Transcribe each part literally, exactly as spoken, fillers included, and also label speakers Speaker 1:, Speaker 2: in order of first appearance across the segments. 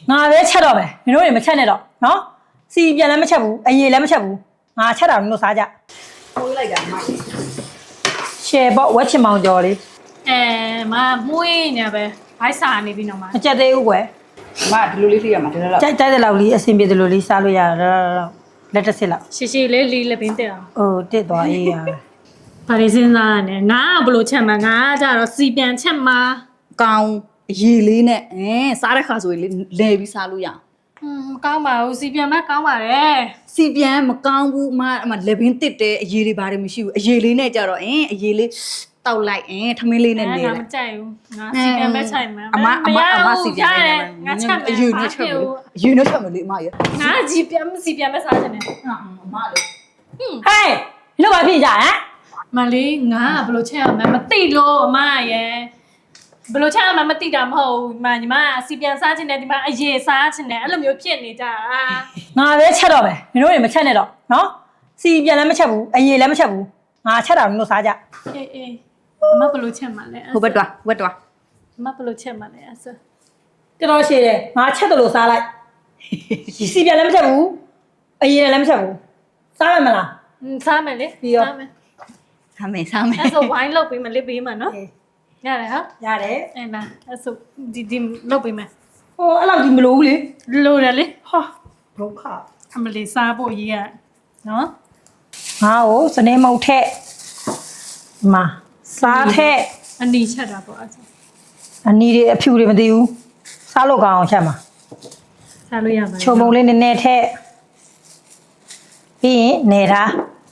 Speaker 1: ငါပဲချက်တော့မယ်မင်းတို့တွေမချက်နဲ့တော့နော်စီပြန်လည်းမချက်ဘူးအရေလည်းမချက်ဘူးငါချက်တာမင်းတို့စားကြထိုးလိုက်တာမရှယ်ပေါ့ဝက်ချင်မောင်ကျော်လေး
Speaker 2: အဲမမွေးနေပဲဘိုက်စာနေပြီနော်မ
Speaker 1: မချက်သေးဘူးကွယ်
Speaker 3: မဒီလိုလေးထိရမှာဒါတော့
Speaker 1: ကြိုက်ကြိုက်တဲ့လောက်လေးအဆင်ပြေတယ်လို့လေးစားလို့ရတာလက်တစ်စစ်လောက်
Speaker 2: ရှည်ရှည်လေးလီလက်ပင်းတက်အောင်
Speaker 1: အိုးတစ်သွားအေးရ
Speaker 2: ဘာလို့စဉ်းစားရလဲငါကဘလို့ချက်မှာငါကကြတော့စီပြန်ချက်မှာ
Speaker 3: ကောင်းအရေးလေးနဲ့အဲစားတဲ့ခါဆိုရင်လေလဲပြီးစားလို့ရအောင်
Speaker 2: ဟွန်းကောင်းပါဘူးစီပြန်မကောင်းပါတယ်
Speaker 3: စီပြန်မကောင်းဘူးအမအမလက်ပင်တစ်တယ်အရေးလေးဘာတွေမရှိဘူးအရေးလေးနဲ့ကြတော့အင်းအရေးလေးတောက်လိုက်အင်းထမင်းလေးနဲ့နေ
Speaker 2: တယ်ငါမကြိုက်ဘူးငါစီပြန်ပဲချိုက်မှာ
Speaker 3: အမအမအမစီပြန်နေ
Speaker 2: ငါချက်မယ်
Speaker 3: အယူနဲ့ချက်မယ်အယူနဲ့ချက်မယ်လေအမရ
Speaker 2: ငါကြည့်ပြန်စီပြန်ပဲစားချင်တယ်
Speaker 3: အမလေ
Speaker 1: ဟေးလို့ဘာဖြစ်ကြဟမ်
Speaker 2: မလေးငါကဘလို့ချက်ရမှာမသိလို့အမရဲ့ဘလို့ချက်ရမှာမသိတာမဟုတ်ဘူးညီမညီမစီပြန်စားချင်တယ်ဒီမှာအရေစားချင်တယ်အဲ့လိုမျိုးဖြစ်နေကြတာ
Speaker 1: ငါပဲချက်တော့မယ်မင်းတို့တွေမချက်နဲ့တော့နော်စီပြန်လည်းမချက်ဘူးအရေလည်းမချက်ဘူးငါချက်တာမင်းတို့စားကြ
Speaker 2: အေးအေးအမဘလို့ချက်မှာလဲ
Speaker 3: ဟိုဘက်တွားဘက်တွား
Speaker 2: အမဘလို့ချက်မှာလဲအဲ့ဆို
Speaker 1: တော်တော်ရှည်တယ်ငါချက်တယ်လို့စားလိုက်စီပြန်လည်းမချက်ဘူးအရေလည်းမချက်ဘူးစားရမလား
Speaker 2: စားမယ်လေစားမယ်
Speaker 3: စားမယ်စားမယ်
Speaker 2: အဲ့ဆိုဝိုင်းလုပ်ပေးမယ်လေးပေးမှာနော်ရတယ်ဟာ
Speaker 1: ရတယ်
Speaker 2: အဲ့လားအဲ့ဆိုဒီဒီလုပ်ပေးမယ်
Speaker 1: ဟိုအဲ့လောက်ဒီမလို့ဘူးလေ
Speaker 2: လိုတယ်လေ
Speaker 1: ဟာဒုက္ခ
Speaker 2: အမလေးစားဖို့ရေးရနော်
Speaker 1: ငါ့ကိုစနေမုတ်ထက်မာစားထက်
Speaker 2: အနီချက်တာပေါ့အဲ့ဆို
Speaker 1: အနီတွေအဖြူတွေမသိဘူးစားလို့ကောင်းအောင်ချက်မှာ
Speaker 2: စားလို့ရပါ
Speaker 1: ချုံပုံလေးနည်းနည်းထက်ပြီးရင်နေထား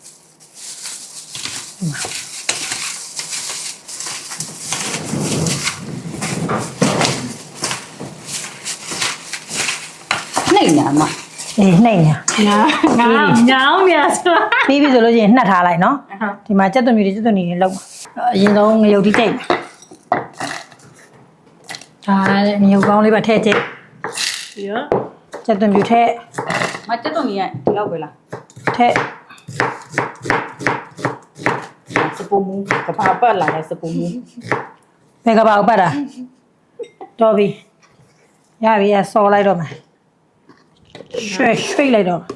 Speaker 3: နှိမ့်ညာမ
Speaker 1: အေးနှိမ့်ညာ
Speaker 2: ငါငါညောင်းနေဆို
Speaker 1: ပြီးပြီဆိုလို့ရှိရင်နှက်ထားလိုက်နော်ဒီမှာကြက်သွန်မြူတွေကြက်သွန်မြူတွေလောက်အရင်ဆုံးငရုတ်တိကျိတ်ဒါလည်းငရုတ်ကောင်းလေးပါထည့်ကျိတ်
Speaker 2: ပြီးတော့
Speaker 1: ကြက်သွန်မြူထည့်
Speaker 3: မကြက်သွန်မြူရဒီလောက်ပဲလား
Speaker 1: ထည့်
Speaker 3: စပူမူကဘာပတ်လာလဲစပူမူ
Speaker 1: ဘယ်ကဘာပတ်တာတော်ပြီရပြီအစော်လိုက်တော့မယ်ရွှေ့ရွှေ့လိုက်တော့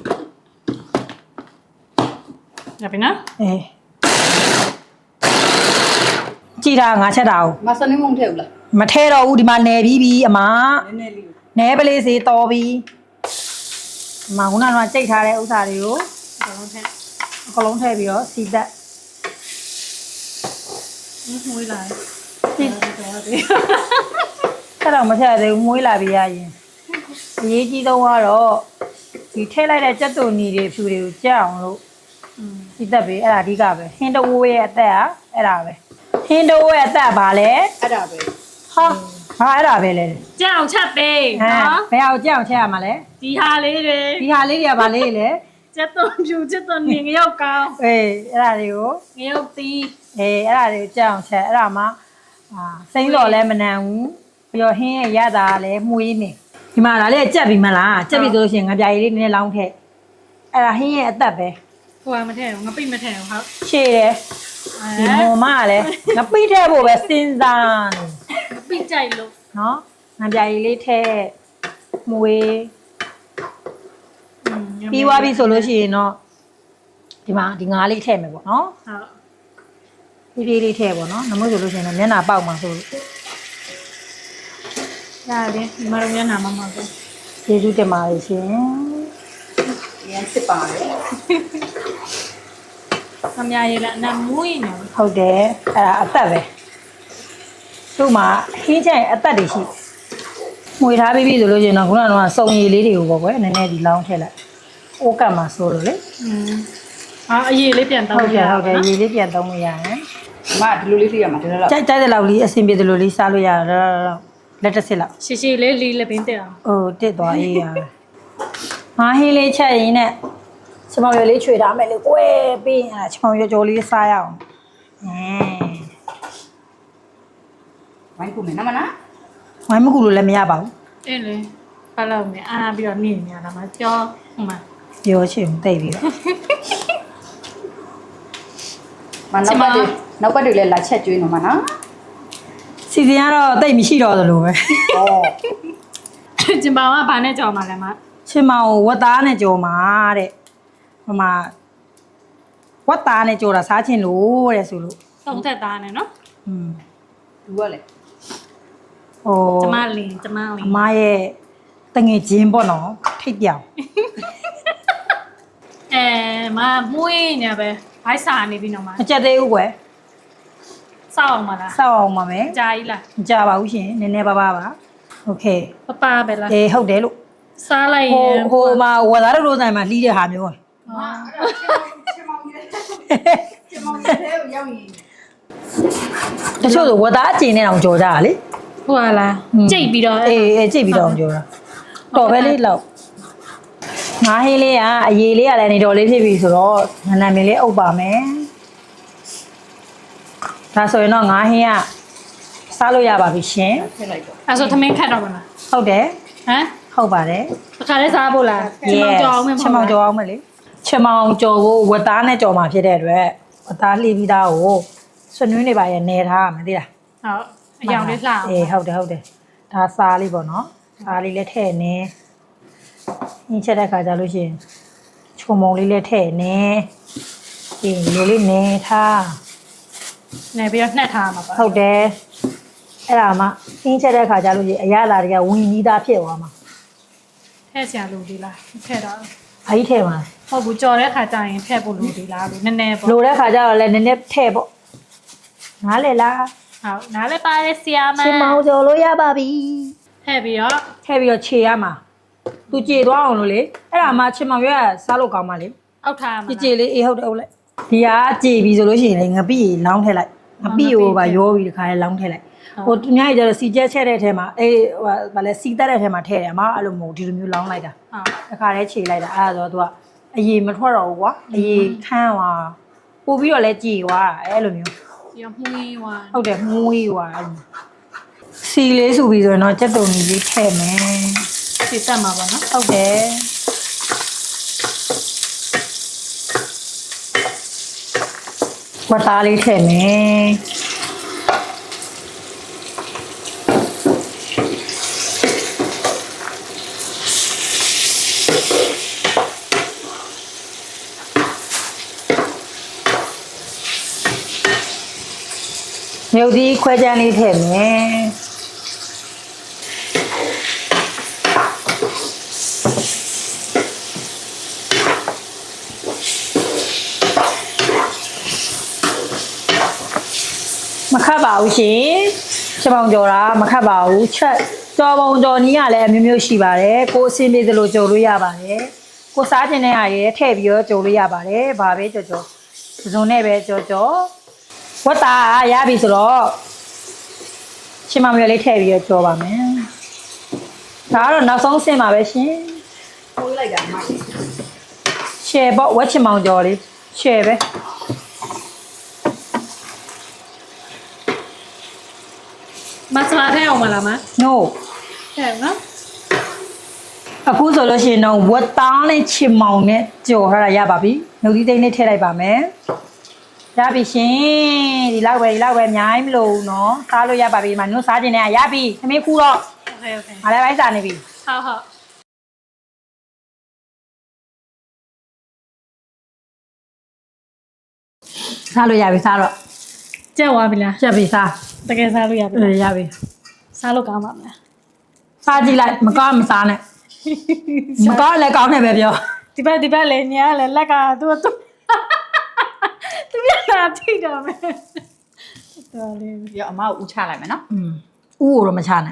Speaker 2: ရပြီနော်
Speaker 1: အေးကြည်တာငါချက်တာ
Speaker 3: မစနေမုံထဲဘူးလား
Speaker 1: မထဲတော့ဘူးဒီမှာနယ်ပြီးပြီအမ
Speaker 3: နည်းနည်းလေး
Speaker 1: နယ်ပလေးစီတော်ပြီအမခုနကကြိတ်ထားတဲ့ဥစ္စာတွေကို
Speaker 2: အကုန်လုံးထည့်
Speaker 1: အကုန်လုံးထည့်ပြီးတော့စီသက်
Speaker 2: မွေးလာတယ်
Speaker 1: ဆက်တော့မထည့်သေးဘူးမွေးလာပြီရရင်အရေးကြီးဆုံးကတော့ဒီထည့်လိုက်တဲ့ကြက်သွန်နီတွေဖြူတွေကိုကြက်အောင်လို့စီသက်ပြီအဲ့ဒါအဓိကပဲဟင်းတဝိုးရဲ့အသက်ကအဲ့ဒါပဲဟင်းတဝိုးရဲ့အသက်ဘာလဲ
Speaker 3: အဲ့ဒါပဲ
Speaker 1: ဟာဟာအဲ့ဒါပဲလေ
Speaker 2: ကြက်အောင်ချက်ပေးနော်
Speaker 1: ဘယ်အောင်ကြက်အောင်ချက်ရမှာလဲ
Speaker 2: ဒီဟာလေးတွေ
Speaker 1: ဒီဟာလေးတွေကဘာလေးလဲ
Speaker 2: ကြက်သွန်ဖြူကြက်သွန်နီငရုတ်ကောင်း
Speaker 1: အေးအဲ့ဒါတွေကို
Speaker 2: ငရုတ်သီး
Speaker 1: အေးအဲ့ဒါတွေကိုကြက်အောင်ချက်အဲ့ဒါမှအာစိမ့်တော်လည်းမနံဘူးပြီးတော့ဟင်းရဲ့ရတာလည်းမှုေးနေဒီမှာဒါလေးကြက်ပြီမလားကြက်ပြီဆိုလို့ရှိရင်ငါပြာရည်လေးနည်းနည်းလောင်းထည့်အဲ့ဒါဟင်းရဲ့အသက်ပဲ
Speaker 2: ဟိုကမထည့်ဘူးငါပိတ်မထည့်ဘူးဟုတ်
Speaker 1: ရှည်တယ်ဒီမော်မကလည်းငါပိတ်ထည့်ဖို့ပဲစဉ်းစား
Speaker 2: နေငါပိတ်ကြိုက်လို့
Speaker 1: နော်ငါပြာရည်လေးထည့်မှုေးပြီးသွားပြီဆိုလို့ရှိရင်တော့ဒီမှာဒီငါးလေးထည့်မယ်ပေါ့နော်ဟုတ်ပြေးပြေးလေးထည့်ပေါ့နော်နမို့ဆိုလို့ရှိရင်တော့မျက်နှာပေါက်မှာဆိုလို့
Speaker 2: ရတယ်ဒီမှာတော့မျက်နှာမမောက်ဘူး
Speaker 1: ကျေးဇူးတင်ပါတယ်ရှင်
Speaker 3: ရမ်းစစ်ပါတယ်
Speaker 2: အများကြီးလားနာမွေးနေ
Speaker 1: ဟုတ်တယ်အဲ့ဒါအသက်ပဲသူ့မှာဟင်းချိုင်အသက်တွေရှိမှွေထားပြီးပြီဆိုလို့ရှိရင်တော့ခုနကတော့စုံရည်လေးတွေကိုပေါ့ကွယ်နည်းနည်းဒီလောင်းထည့်လိုက်အိုးကတ်မှာဆိုလို့လေ
Speaker 2: อืมအာအရေးလေးပြန်တောင်း
Speaker 1: လို့ရဟုတ်တယ်ရေးလေးပြန်တောင်းလို့ရတယ်
Speaker 3: မဒီလိုလေးထိရမှာဒါတော့
Speaker 1: ကြိုက်ကြိုက်တဲ့လောက်လေးအဆင်ပြေတယ်လို့လေးစားလို့ရတော့လက်တစ်စစ်လောက်
Speaker 2: ရှည်ရှည်လေးလီလက်ပင်းတက်အောင်
Speaker 1: အိုးတစ်သွားရေးရငါဟင်းလေးချက်ရင်းနဲ့ချမောင်ရွယ်လေးချွေထားမယ်လေကွဲပြီးရင်အဲ့ချမောင်ရွယ်ကြော်လေးစားရအောင်အင်း
Speaker 3: ဝိုင်းကူမယ်နော်မလား
Speaker 1: ဝိုင်းမကူလို့လည်းမရပါဘူး
Speaker 2: အေးလေဘာလို့မလဲအားပြီးတော့နေနေရတာမကြောဟိုမှာ
Speaker 1: ပြောချင်တိတ်ပြီးတော့
Speaker 3: မနောက်ပတ်တွေနောက်ပတ်တွေလည်းလာချက်ကျွေးနော်မနော်
Speaker 1: စီစဉ်ကတော့တိတ်မရှိတော့သလိုပဲဩ
Speaker 2: ကျင်ပါကဘာနဲ့ကြော်မှာလဲမ
Speaker 1: ချင်မောင်ကိုဝတ်သားနဲ့ကြော်မှာတဲ့ဟိုမှာဝတ်သားနဲ့ကြော်တာစားချင်လို့တဲ့ဆိုလို့
Speaker 2: သုံးသက်သားနဲ့နော်
Speaker 1: อืม
Speaker 3: လူကလေ
Speaker 1: ဟို
Speaker 2: ကျမလင်းကျမလ
Speaker 1: အ
Speaker 2: င်း
Speaker 1: မရဲ့တငယ်ချင်းပေါ့နော်ထိတ်ပြောင်
Speaker 2: အဲမမွေးနေပဲဘိုက်စာနေပြီနော်မ
Speaker 1: မကြက်သေးဘူးကွယ်
Speaker 2: စောက်အောင်မလား
Speaker 1: စောက်အောင်ပါမယ်
Speaker 2: အကြာကြီးလား
Speaker 1: မကြပါဘူးရှင်နည်းနည်းပါးပါပါโอเค
Speaker 2: ပပပဲလား
Speaker 1: အေးဟုတ်တယ်လို့
Speaker 2: စားလိုက်ရ
Speaker 1: ဟို
Speaker 2: င်
Speaker 1: ဟိုမှာဝတ်သားတို့တို့ဆိုင်မှာလှီးတဲ့ဟာမျိုး တချို့ဆိုဝတ်သားအကျင်နဲ့အောင်ကြော်ကြတာလေ
Speaker 2: ဟုတ်လားကြိတ်ပြီးတော့
Speaker 1: အေးအေးကြိတ်ပြီးတော့အောင်ကြော်တာတော်ပဲလေးလောက်ငါးဟင်းလေးကအရေးလေးကလည်းနေတော်လေးဖြစ်ပြီဆိုတော့ငနံမင်းလေးအုပ်ပါမယ်ဒါဆိုရင်တော့ငါးဟင်းကစားလို့ရပါပြီရှင်
Speaker 3: ထည့်လိုက်တော့
Speaker 2: အဲဆိုသမင်းခတ်တော့မလား
Speaker 1: ဟုတ်တယ်
Speaker 2: ဟမ်
Speaker 1: ဟုတ်ပါတယ်
Speaker 2: တစ်ခါလဲစားဖို့လားချင်မောင်ကြော်အောင်မယ်
Speaker 1: ချင်မောင်ကြော်အောင်မယ်လေချင်မောင်ကြော်ဖို့ဝတ်သားနဲ့ကြော်မှာဖြစ်တဲ့အတွက်ဝတ်သားလှီးပြီးသားကိုဆွနွေးနေပါရဲ့နေထားရမယ်သိလား
Speaker 2: ဟုတ်အယောင်လေးလှအောင်
Speaker 1: အေးဟုတ်တယ်ဟုတ်တယ်ဒါစားလေးပေါ့နော်စားလေးလည်းထည့်နေညှင်းချက်တဲ့ခါကျလို့ရှိရင်ချုံမုံလေးလည်းထည့်နေဒီလိုလေးနေထား
Speaker 2: နေပြီးတော့နှက်ထားမှာပါ
Speaker 1: ဟုတ်တယ်အဲ့ဒါမှညှင်းချက်တဲ့ခါကျလို့ရှိရင်အရသာတွေကဝင်ကြီးသားဖြစ်သွားမှာ
Speaker 2: ထည့်ဆရာလို့ဒီလားထည့်တော့
Speaker 1: ဘာကြီးထည့်မှာ
Speaker 2: ဟုတ်ဘူးကြော်တဲ့ခါကျရင်ထည့်ဖို့လို့ဒီလားလို့နည်းနည်းပေါ့
Speaker 1: လိုတဲ့ခါကျတော့လည်းနည်းနည်းထည့်ပေါ့နားလေလား
Speaker 2: ဟုတ်နားလည်းပါတယ်ဆရာမ
Speaker 1: ချင်မောင်ကြော်လို့ရပါပြီ
Speaker 2: ထည့်ပြီးတော့
Speaker 1: ထည့်ပြီးတော့ခြေရမှာသူကြေသွားအောင်လို့လေအဲ့ဒါမှချင်မောင်ရွက်စားလို့ကောင်းပါလေ
Speaker 2: အောက်ထားမှာ
Speaker 1: ကြည်ကြည်လေးအေးဟုတ်တယ်ဟုတ်လိုက်ဒီကကြည်ပြီဆိုလို့ရှိရင်လေငပိလောင်းထည့်လိုက်ငပိကိုပါရောပြီးတခါလေးလောင်းထည့်လိုက်ဟိုသူများကြီးကျတော့စီကျက်ချက်တဲ့အထဲမှာအေးဟိုဗာလဲစီတက်တဲ့အထဲမှာထည့်တယ်အမအဲ့လိုမဟုတ်ဒီလိုမျိုးလောင်းလိုက်တာ
Speaker 2: ဟုတ်
Speaker 1: တခါလေးခြေလိုက်တာအဲ့ဒါဆိုတော့သူကအရေမထွက်တော့ဘူးကွာအရေခန်းသွားပို့ပြီးတော့လဲကြည်သွားအဲ့လိုမျိုး
Speaker 2: ပြီးတော့မှုေးသွား
Speaker 1: ဟုတ်တယ်မွေးသွားစီလေးဆိုပြီးဆိုရင်တော့ကြက်တုံကြီးလေးထည့်မယ်
Speaker 2: စီတက်မှာပေါ့နော်
Speaker 1: ဟုတ်တယ်ဝတ်သားလေးထည့်မယ်မြုပ်သီးခွဲချမ်းလေးထည့်မယ်မခတ်ပါဘူးရှင်ချက်ပေါင်ကြော်တာမခတ်ပါဘူးချက်ကြော်ပုံကြော်နီးကလည်းအမျိုးမျိုးရှိပါတယ်ကိုယ်အဆင်ပြေသလိုကြော်လို့ရပါတယ်ကိုစားခြင်းတဲ့အားရထည့်ပြီးတော့ကြော်လို့ရပါတယ်ဘာပဲကြော်ကြော်စုံနဲ့ပဲကြော်ကြော်ဝတ်သားရပြီဆိုတော့ရှင်မမျိုးလေးထည့်ပြီးတော့ကြော်ပါမယ်ဒါကတော့နောက်ဆုံးဆင့်ပါပဲရှင်
Speaker 3: ပိုးလိုက်တာမိုက်
Speaker 1: ရှယ်ပေါ့ဝက်ချင်မောင်ကြော်လေးရှယ်ပဲ
Speaker 2: မဆလာထည့်အောင်မလားမ
Speaker 1: no
Speaker 2: ထည့်နော်
Speaker 1: အခုဆိုလို့ရှိရင်တော့ဝတ်သားနဲ့ချင်မောင်နဲ့ကြော်ထားတာရပါပြီ။နှုတ်သီးသိန်းလေးထည့်လိုက်ပါမယ်။ရပြီရှင်။ဒီလောက်ပဲဒီလောက်ပဲအများကြီးမလို့ဘူးနော်။စားလို့ရပါပြီ။ဒီမှာနှုတ်စားခြင်းနဲ့ရပြီ။သမီးခူတော့
Speaker 2: โอเคโอเค
Speaker 1: ငါလည်းပိုင်းစားနေပြီ
Speaker 2: ဟုတ်ဟုတ်
Speaker 1: ။စားလို့ရပြီစားတော့
Speaker 2: ကြက်သွားပြီလား
Speaker 1: ရပြီစား
Speaker 2: တကယ်စားလို့ရပြီ
Speaker 1: ။အေးရပြီ
Speaker 2: စားလို့ကောင်းပါမလား
Speaker 1: ။စားကြည့်လိုက်မကောင်းမစားနဲ့။မကောင်းလည်းကောင်းတယ်ပဲပြော
Speaker 2: ဒီဘက်ဒီဘက်လည်းညာလည်းလက်ကသူ့သူသူပြလာထိတော့မယ်တော်လေး
Speaker 3: ပြီးတော့အမကိုဦးချလိုက်မယ်နော်
Speaker 1: ။อืมဥကိုတော့မချနဲ့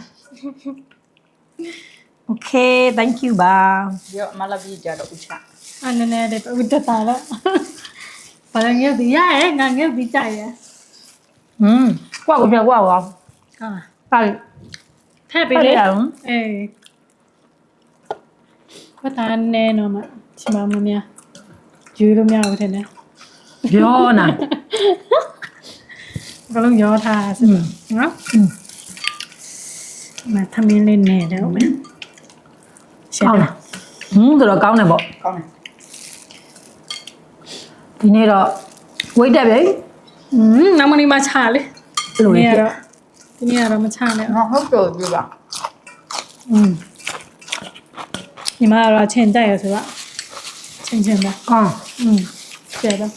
Speaker 1: ။ Okay thank you ပါ
Speaker 3: ပြီးတော့အမလည်းပြီးကြတော့ဦးချ
Speaker 2: အနည်းနည်းလေးဦးတက်တာတော့ဘာလဲငယ်ဒီရရဲ့ငါငယ်ဒီကြရဲ့
Speaker 1: ။อืมကွာကိုပြန်ကွာပါ
Speaker 2: ဟာ
Speaker 1: ။စား
Speaker 2: ထည့်ပေးလေ
Speaker 1: ဖတ်ရအောင်
Speaker 2: အေးဘာသာနဲ့နော်မချမမများယူလို့မရဘူးထင်တယ်
Speaker 1: ပြောနာ
Speaker 2: ဘလုံးရောထားစနော်မသမင်းလေးနဲ့တော့မယ်ရှင်း
Speaker 1: ဟုတ်
Speaker 2: လား
Speaker 1: လားဟင်းဆိုတော့ကောင်းတယ်ပေါ့
Speaker 3: ကောင်းတယ်
Speaker 1: ဒီနေ့တော့ဝိတ်တက်ပြီ
Speaker 2: อืมနမနီမချလေ
Speaker 1: ဘယ်လိုလဲ
Speaker 2: ဒီနေ့ကတော့ဒီနေ့ကတော့မချနဲ့
Speaker 3: ငါဟုတ်တော့ပြပါ
Speaker 1: อืม
Speaker 2: ညီမကတော့ချင်းတက်ရဆိုတော့ချင်းချင်းပဲ
Speaker 1: ကောင်း
Speaker 2: อืมကျဲတော့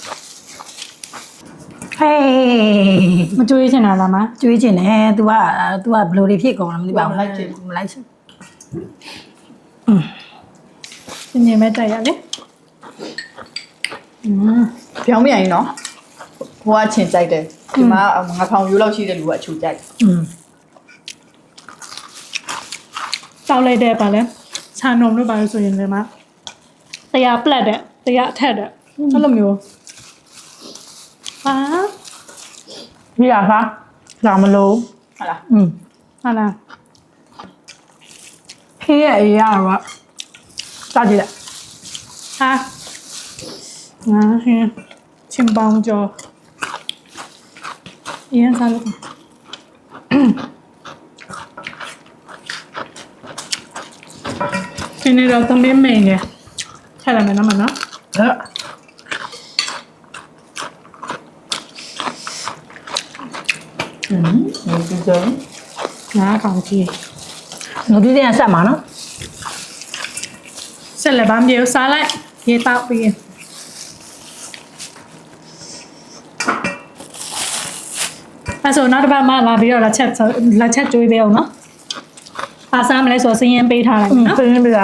Speaker 1: ဟေး
Speaker 2: မကြွေးချင်တာလားမ
Speaker 1: ကျွေးချင်တယ် तू က तू ကဘလိုတွေဖြစ်ကုန်လဲမသိပါဘူးမလိုက်ချင်မလိုက်ချင်
Speaker 2: ချင်းချင်းပဲတက်ရလေอืม
Speaker 3: ပြောင်းပြန်ရင်နော်ဟိုကချင်ကြိုက်တယ်ဒီမှာငါဖောင်ရိုးလောက်ရှိတဲ့လူကအချူကြိုက်
Speaker 1: อืม
Speaker 2: တောက်လိုက်တဲ့ပါလဲခြံုံလို့ပါလို့ဆိုရင်လည်းမတရားပလက်တဲ့တရားအထက်တဲ့အဲ့လိုမျိုးဟာ
Speaker 1: ပြရပါဒါမလို့
Speaker 3: ဟုတ်လား
Speaker 1: อืม
Speaker 2: ဟာလား
Speaker 1: ဖေးရဲ့အရာတော့စကြည့်လိုက်
Speaker 2: ဟာငါဟင်းချင်းပေါင်းကြောအရင်စားလို့ဒီနေ့တော့သမင်းမိန်နဲ့ထည့်လိုက်မယ်နော်မနော်
Speaker 1: ဟဲ့
Speaker 3: อืมဒီကြုံ
Speaker 2: ငါကောင်ကြီး
Speaker 1: ငါဒီတင်ဆက်မှာနော်
Speaker 2: ဆက်လက်ပါမပြေစားလိုက်ရေတောက်ပြီးအဲ့ဆိုနောက်တစ်ပတ်မှလာပြီးတော့လက်ချက်လက်ချက်ကျွေးပေးအောင်နော်ပါစားမလဲဆိုစရင်ပေးထားလိုက်
Speaker 1: อืม
Speaker 2: နော်
Speaker 1: ဖေးပြရ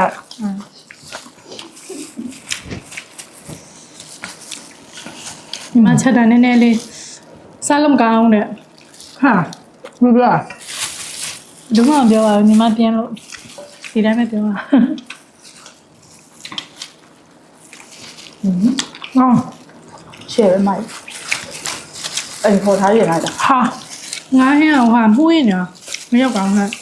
Speaker 2: ဒီမှာချက်တာနည်းနည်းလေးစားလို့မကောင်းတဲ့
Speaker 1: ဟာပြပြ
Speaker 2: ဒုမပြောပါဘူးညီမပြန်လို့ဒီတိုင်းပဲပြောပါ
Speaker 1: အော်
Speaker 3: ရှယ်ပဲမိုက်အိမ်ခေါ်ထားရင်လိုက်တာ
Speaker 1: ဟာ
Speaker 2: ငါဟင်းအောင်ဟာမှုရညာမရောက်ကောင်းနဲ့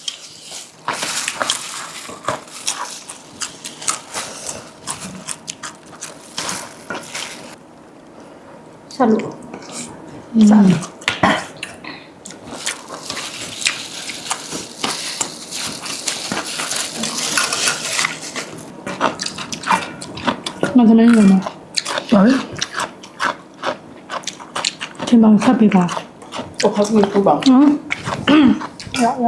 Speaker 2: ဆက်လို့စား မကလေးလုံးမ
Speaker 1: ဘာလဲ
Speaker 2: ချင်းပေါင်းဆက်ပေးပါ
Speaker 3: ဟိုခေါက်ပြီးပူပါ
Speaker 2: နော်ရရ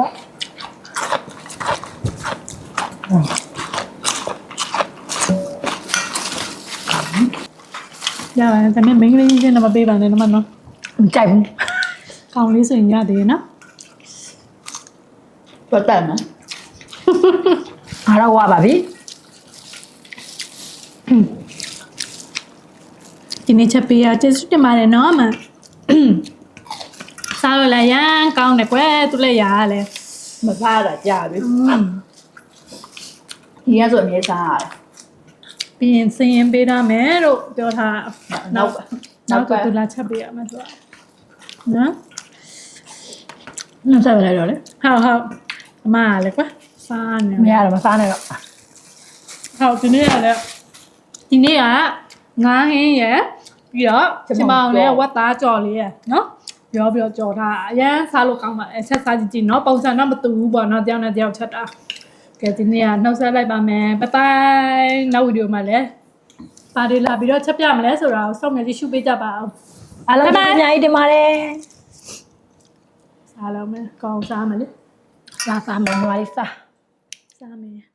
Speaker 2: ရပါတယ်ဒါပေမဲ့မင်းကလေးကြီးချင်းတော့မပေးပါနဲ့တော့မနော်
Speaker 1: မကြိုက်ဘူး
Speaker 2: ကောင်းလေးဆိုရင်ရသေးရဲ့နော်
Speaker 3: ပတ်တယ်နော်
Speaker 1: အားတော့ဝါပါပြီ
Speaker 2: ဒီနေ့ချက်ပေးရကျေးဇူးတင်ပါတယ်နော်အမစားလို့လည်းရမ်းကောင်းတယ်ကွယ်သူလည်းရရလဲ
Speaker 3: မစားတာကြာပြီဒီကဆိုအမြဲစားရတယ်
Speaker 2: ပြီးရင်စင်ရင်ပေးထားမယ်လို့ပြောထား
Speaker 3: နောက်
Speaker 2: နော
Speaker 3: နော
Speaker 2: က်က
Speaker 3: က
Speaker 2: သူလာချက်ပေးရမယ်သူကနော်
Speaker 1: နှုတ်ဆက်လိုက်တော့လေ
Speaker 2: ဟုတ်ဟုတ်အမကလည်းကွာစားနေ
Speaker 1: မရတော့မစားနဲ့တော့
Speaker 2: ဟုတ်ဒီနေ့ကလည်းဒီနေ့ကငါးဟင်းရယ်ပြီးတော့ချင်မောင်နဲ့ဝတ်သားကြော်လေးရယ်နော်ပြောပြောကြော်ထားအရန်စားလို့ကောင်းပါအဲဆက်စားကြည့်ကြည့်နော်ပုံစံတော့မတူဘူးပေါ့နော်တယောက်နဲ့တယောက်ချက်တာကဲဒီနေ့ကနှုတ်ဆက်လိုက်ပါမယ်ဘိုင်ဘိုင်နောက်ဗီဒီယိုမှာလည်းပါရီလာပြီးတော့ချက်ပြမလဲဆိုတာကိုစောင့်မျှော်ကြည့်ရှုပေးကြပါအောင်
Speaker 1: အားလုံးအများကြီးတင်ပါတယ်
Speaker 2: စားလို့မယ်ကောင်းစားမယ်လေ
Speaker 1: စားစားမယ်ညီမလေးစား
Speaker 2: စားမယ်